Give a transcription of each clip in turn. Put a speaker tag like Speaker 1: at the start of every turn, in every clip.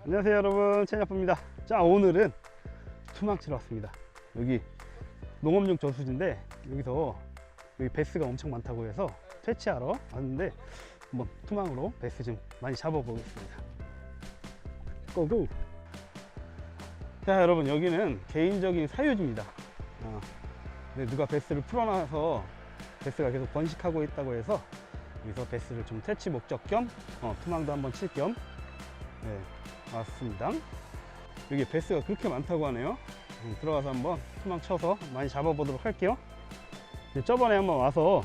Speaker 1: 안녕하세요 여러분, 채니아빠입니다. 자, 오늘은 투망 치러 왔습니다. 여기 농업용 저수지인데 여기서 여기 베스가 엄청 많다고 해서 퇴치하러 왔는데 한번 투망으로 베스 좀 많이 잡아보겠습니다. 고고! 자, 여러분, 여기는 개인적인 사유지입니다. 근데 누가 베스를 풀어놔서 베스가 계속 번식하고 있다고 해서 여기서 베스를 좀 퇴치 목적 겸 투망도 한번 칠 겸 왔습니다. 여기 베스가 그렇게 많다고 하네요. 들어가서 한번 투망 쳐서 많이 잡아보도록 할게요. 저번에 한번 와서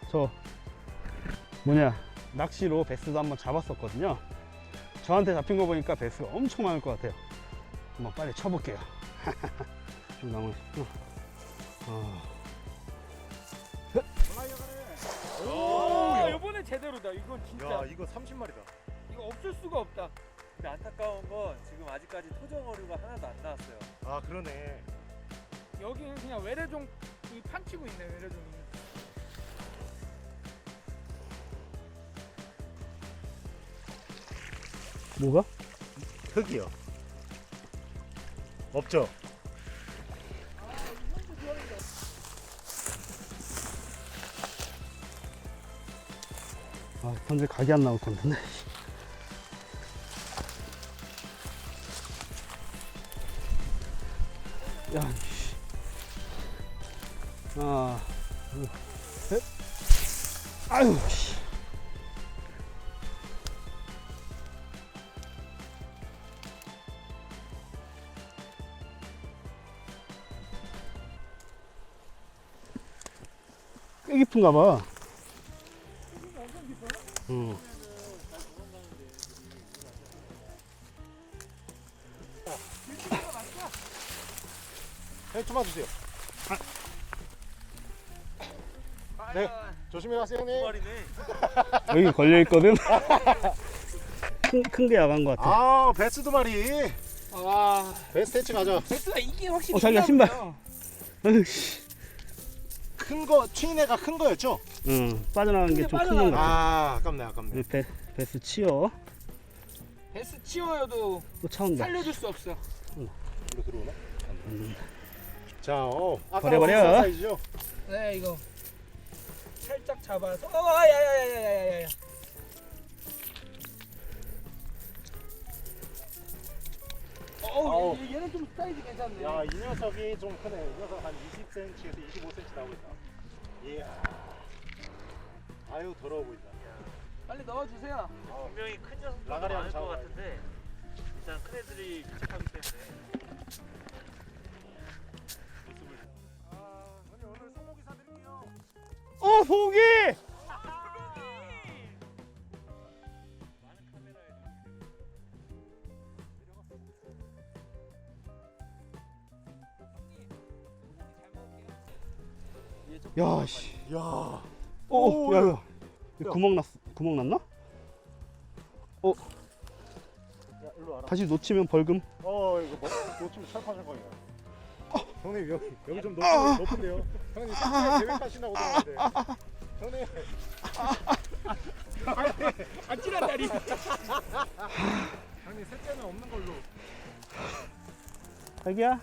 Speaker 1: 낚시로 베스도 한번 잡았었거든요. 저한테 잡힌 거 보니까 베스가 엄청 많을 것 같아요. 한번 빨리 쳐볼게요. 좀 남은.
Speaker 2: 오, 이번에 제대로다. 이건 진짜.
Speaker 3: 야, 이거 30마리다.
Speaker 2: 이거 없을 수가 없다.
Speaker 4: 근데 안타까운 건 지금 아직까지 토종 어류가 하나도 안 나왔어요.
Speaker 3: 아, 그러네.
Speaker 2: 여기는 그냥 외래종 판치고 있네. 외래종이.
Speaker 1: 뭐가?
Speaker 3: 흙이요. 없죠?
Speaker 1: 현재 각이 안 나올 건데. 야, 씨. 하나, 둘, 셋. 아유, 씨. 꽤 깊은가 봐. 응.
Speaker 3: 형, 좀만 주세요. 네, 조심히 가세요,
Speaker 4: 두
Speaker 3: 형님.
Speaker 4: 마리네.
Speaker 1: 여기 걸려있거든? 큰 게 야간 것 같아.
Speaker 3: 아, 베스 2마리.
Speaker 2: 아,
Speaker 3: 베스 퇴치 가자.
Speaker 2: 베스가 이게 확실히.
Speaker 1: 자기야, 신발. 아유, 씨.
Speaker 3: 큰 거, 튀인애가 큰 거였죠?
Speaker 1: 응, 빠져나간 게 좀 큰 것 같아.
Speaker 3: 아, 아깝네, 아깝네.
Speaker 1: 베스 치워.
Speaker 2: 베스 치워여도
Speaker 1: 또 차온다.
Speaker 2: 살려줄 수 없어.
Speaker 3: 이거 들어오나? 자, 아까
Speaker 1: 버려.
Speaker 3: 사이즈죠?
Speaker 2: 네, 이거 살짝 잡아서. 야야야야야야야.
Speaker 3: 아우.
Speaker 2: 얘는 좀 사이즈 괜찮네.
Speaker 3: 야, 이 녀석이 좀 크네. 이 녀석 한 20cm에서 25cm 나오고 있다. 이야. 아유, 더러워 보인다.
Speaker 2: 빨리 넣어주세요.
Speaker 4: 분명히 큰 녀석도
Speaker 3: 라가리
Speaker 4: 많을 것
Speaker 3: 한번
Speaker 4: 같은데 일단 큰 애들이 부족하기 때문에.
Speaker 3: 형님, 오늘 소고기 사드릴게요.
Speaker 1: 소고기! 야, 씨.
Speaker 3: 야.
Speaker 1: 오, 야.
Speaker 3: 야.
Speaker 1: 구멍 났나?
Speaker 3: 야, 일로 와라.
Speaker 1: 다시 놓치면 벌금.
Speaker 3: 이거 놓치면 철판철판이야. 형님, 여기 좀 높은데요. 형님, 계획하신다고 들었는데. 형님.
Speaker 2: 아찔한 다리.
Speaker 3: 형님, 셋째는 없는 걸로.
Speaker 1: 자기야.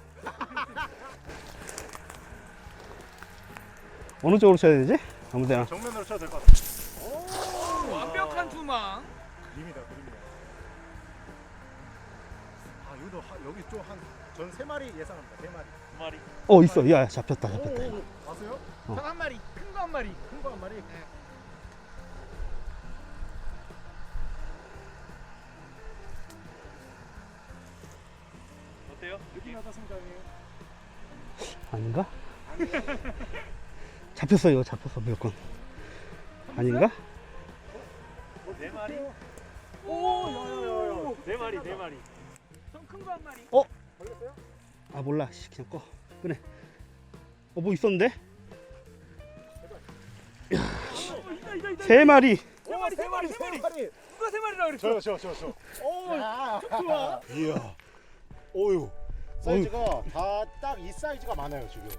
Speaker 1: 어느 쪽으로 쳐야 되지? 아무데나.
Speaker 3: 정면으로 쳐도 될 것 같아.
Speaker 2: 완벽한 투망.
Speaker 3: 그림이다. 아, 여기 좀 전 3마리 예상합니다. 3마리.
Speaker 4: 두 마리.
Speaker 1: 있어. 야, 잡혔다.
Speaker 3: 왔어요?
Speaker 2: 한 마리. 큰 거 한 마리.
Speaker 3: 큰 거 한 마리.
Speaker 4: 어때요?
Speaker 3: 느낌 어떻습니까, 형님?
Speaker 1: 아닌가? 잡혔어, 이거 잡혔어, 무조건. 아닌가?
Speaker 4: 네 마리?
Speaker 2: 오,
Speaker 4: 네 마리, 네 마리.
Speaker 2: 좀 큰 거 한 마리.
Speaker 3: 걸렸어요?
Speaker 1: 아, 몰라. 씨, 그냥 꺼. 끄네. 뭐 있었는데?
Speaker 2: 있다.
Speaker 1: 3마리.
Speaker 2: 세 마리. 누가 3마리라 그랬어?
Speaker 3: 저.
Speaker 2: 오, 좋아.
Speaker 3: 이야. 오유. 사이즈가 다 딱 이 사이즈가 많아요, 지금.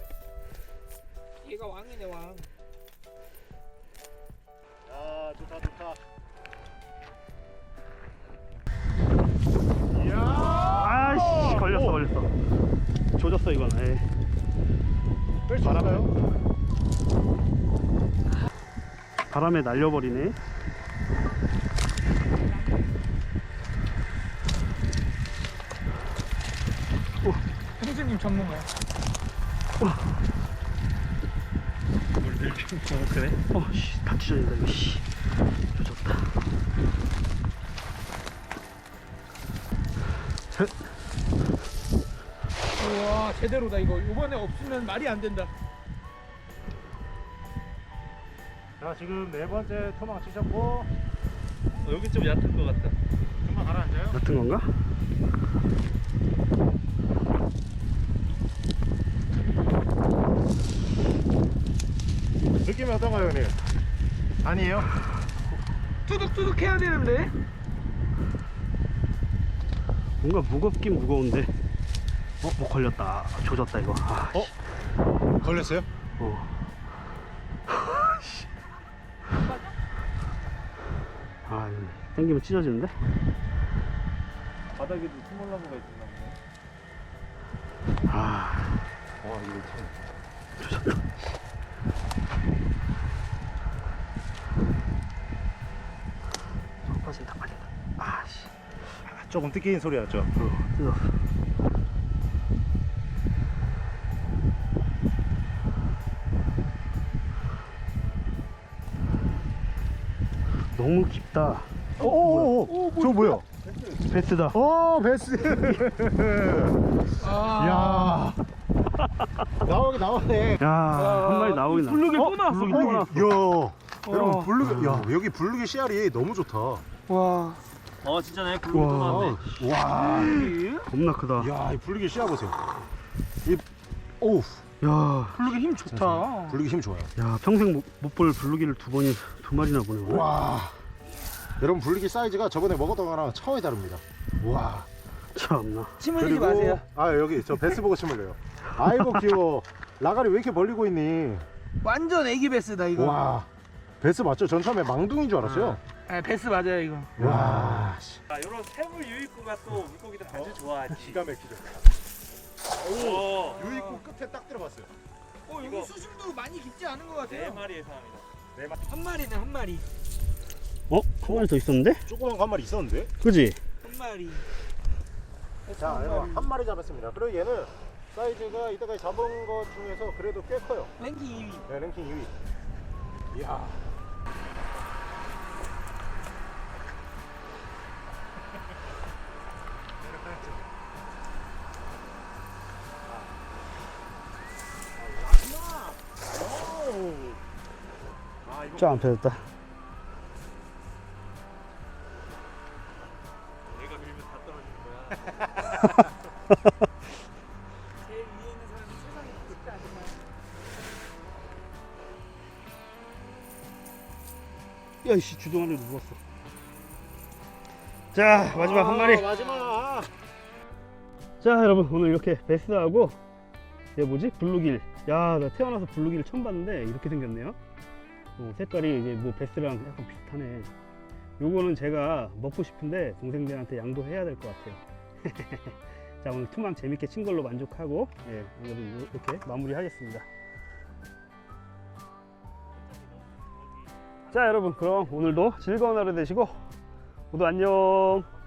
Speaker 2: 얘가 왕이네, 왕.
Speaker 3: 야, 좋다.
Speaker 1: 조졌어 이건. 에이.
Speaker 3: 뺄수 있을까요?
Speaker 1: 바람에 날려버리네.
Speaker 2: 형수님 전문가야.
Speaker 4: 그래?
Speaker 1: 씨, 다 찢어진다 이거. 씨, 조졌다.
Speaker 2: 우와 제대로다 이거. 이번에 없으면 말이 안 된다.
Speaker 3: 자, 지금 네 번째 토막 치셨고
Speaker 4: 여기 좀 얕은 것 같다.
Speaker 3: 금방 가라앉아요.
Speaker 1: 같은 건가?
Speaker 3: 느낌이 어떤가요, 형님? 아니에요?
Speaker 2: 뚜둑뚜둑 해야 되는데.
Speaker 1: 뭔가 무겁긴 무거운데. 뭐 걸렸다. 조졌다 이거. 아,
Speaker 3: 어? 걸렸어요?
Speaker 1: 어. 씨. 아, 이거 당기면 찢어지는데?
Speaker 4: 바닥에도 스몰나무가 있었나 보네.
Speaker 1: 아,
Speaker 3: 와, 이거 참.
Speaker 1: 빠진다 빠진다. 아, 씨.
Speaker 3: 조금 뜯기는 소리 났죠?
Speaker 1: 뜯었어. 너무 깊다.
Speaker 3: 오, 저 뭐야?
Speaker 1: 베스다.
Speaker 3: 오, 베스.
Speaker 2: 아.
Speaker 3: 야. 나오네.
Speaker 1: 야, 한 마리 나오긴 나.
Speaker 2: 블루길 또 나왔어.
Speaker 1: 블루길 또 나왔어.
Speaker 3: 야. 여러분 블루기, 야 여기 블루기 씨알이 너무 좋다.
Speaker 2: 와.
Speaker 4: 진짜네. 붉은 또 나왔네.
Speaker 3: 와,
Speaker 1: 겁나 크다.
Speaker 3: 야, 이 블루기 씨알 보세요. 이, 오우,
Speaker 1: 야,
Speaker 2: 블루길 힘 좋다.
Speaker 3: 블루기 힘 좋아요.
Speaker 1: 야, 평생 못 볼 블루기를 두 마리나 보네. 오늘.
Speaker 3: 와, 여러분 블루기 사이즈가 저번에 먹었던 거랑 차원이 다릅니다. 와,
Speaker 1: 참나.
Speaker 2: 침 흘리지 마세요.
Speaker 3: 아 여기 저 베스 보고 침 흘려요. 아이고 귀여워. 라가리 왜 이렇게 벌리고 있니?
Speaker 2: 완전 애기 베스다 이거.
Speaker 3: 와, 베스 맞죠? 전 처음에 망둥인 줄 알았어요.
Speaker 2: 아, 베스 맞아요 이거.
Speaker 3: 와,
Speaker 4: 자, 이런 새물 유입구가 또 물고기들 아주 좋아하지.
Speaker 3: 기가 막히죠.
Speaker 4: 오,
Speaker 3: 유입구 끝에 딱 들어봤어요.
Speaker 2: 여기
Speaker 4: 이거-
Speaker 2: 수심도 많이 깊지 않은 것
Speaker 4: 네
Speaker 2: 같아요.
Speaker 4: 마리 예상합니다.
Speaker 2: 한 마리네 한 마리.
Speaker 1: 한 마리 더 있었는데?
Speaker 3: 조그만 거 한 마리 있었는데?
Speaker 1: 그지?
Speaker 2: 한 마리.
Speaker 3: 자, 여러분 한 마리 잡았습니다. 그리고 얘는 사이즈가 이때까지 잡은 것 중에서 그래도 꽤 커요.
Speaker 2: 랭킹 2위.
Speaker 3: 네, 랭킹 2위. 이야.
Speaker 1: 쫙 안 펴졌다.
Speaker 4: 얘가 밀면 다 떨어지는 거야.
Speaker 2: 제일 위에 있는 사람이 세상에 쉽지 않지만.
Speaker 1: 야, 씨, 주둥 안에 누웠어. 자, 마지막 한 마리.
Speaker 3: 마지막.
Speaker 1: 자, 여러분, 오늘 이렇게 베스하고 얘 뭐지? 블루길. 야, 나 태어나서 블루길을 처음 봤는데 이렇게 생겼네요. 색깔이 이제 뭐 베스랑 약간 비슷하네. 요거는 제가 먹고 싶은데 동생들한테 양보해야 될 것 같아요. 자, 오늘 투망 재밌게 친 걸로 만족하고, 예, 오늘은 이렇게 마무리하겠습니다. 자, 여러분, 그럼 오늘도 즐거운 하루 되시고 모두 안녕.